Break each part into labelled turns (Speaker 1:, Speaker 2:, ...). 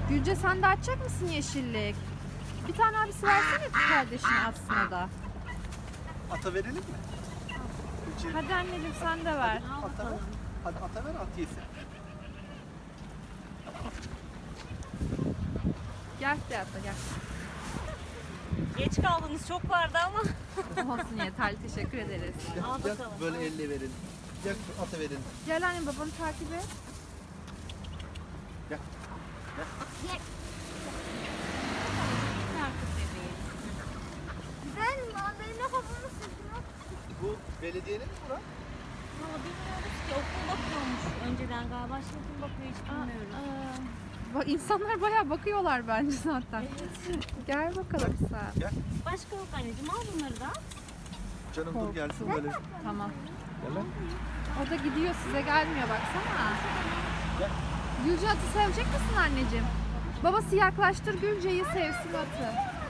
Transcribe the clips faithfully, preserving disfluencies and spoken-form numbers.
Speaker 1: Gülce sen de açacak mısın yeşillik? Bir tane abisi versene kardeşine atsın o da.
Speaker 2: Ata verelim mi? Gülce,
Speaker 1: Hadi anneciğim sen de ver.
Speaker 2: ata ver. Hadi ata ver, at yesin.
Speaker 1: Gel de ata gel.
Speaker 3: Geç kaldınız, çok vardı ama.
Speaker 1: Olsun yeterli, teşekkür ederiz.
Speaker 2: Gel,
Speaker 3: Al
Speaker 2: gel,
Speaker 3: bakalım.
Speaker 2: böyle elle verelim. Gel ata verelim.
Speaker 1: Gel anne babanı takip et.
Speaker 2: Gel. Gel.
Speaker 4: Ben benim kafamı sıkıyor.
Speaker 2: Bu belediyenin mi bura?
Speaker 3: Valla bilmiyoruz ki, okul bakıyormuş önceden galiba. Şimdi kim bakıyor hiç bilmiyoruz.
Speaker 1: Bak insanlar bayağı bakıyorlar bence zaten. Gel bakalım sen.
Speaker 2: Gel.
Speaker 3: Başka yok anneciğim, al bunları da.
Speaker 2: Canım dur gelsin böyle.
Speaker 1: Tamam.
Speaker 2: Gel lan.
Speaker 1: O da gidiyor, size gelmiyor baksana.
Speaker 2: Gel.
Speaker 1: Gülce atı sevecek misin anneciğim? Babası yaklaştır Gülce'yi, sevsin atı.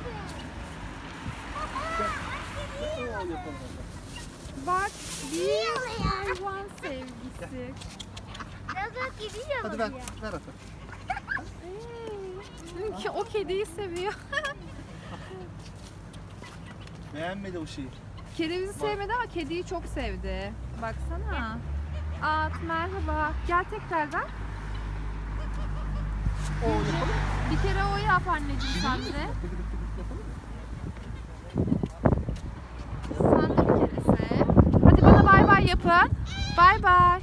Speaker 2: Oo, yapalım hadi.
Speaker 1: Bak bir hayvan sevgisi.
Speaker 4: Gaga gidiyor
Speaker 2: Hadi
Speaker 4: mu
Speaker 2: ver,
Speaker 4: ya?
Speaker 2: ver ata.
Speaker 1: Ki o kediyi seviyor.
Speaker 2: Beğenmedi o şeyi.
Speaker 1: Kerevizi sevmedi ama kediyi çok sevdi. Baksana. At merhaba. Gel tekrardan.
Speaker 2: Oo yapalım.
Speaker 1: Bir kere o yap anneciğim sen de.
Speaker 2: Tıkıdık tıkıdık yapalım mı?
Speaker 1: Sen de bir kere sev. Hadi bana bay bay yapın. Bay bay.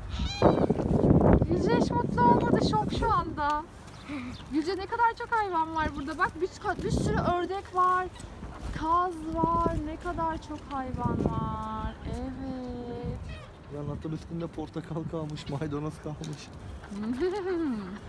Speaker 1: Gülce hiç mutlu olmadı. Şok şu anda. Gülce ne kadar çok hayvan var burada. Bak bir, bir sürü ördek var. Kaz var. Ne kadar çok hayvan var. Evet.
Speaker 2: Yan atın üstünde portakal kalmış, maydanoz kalmış.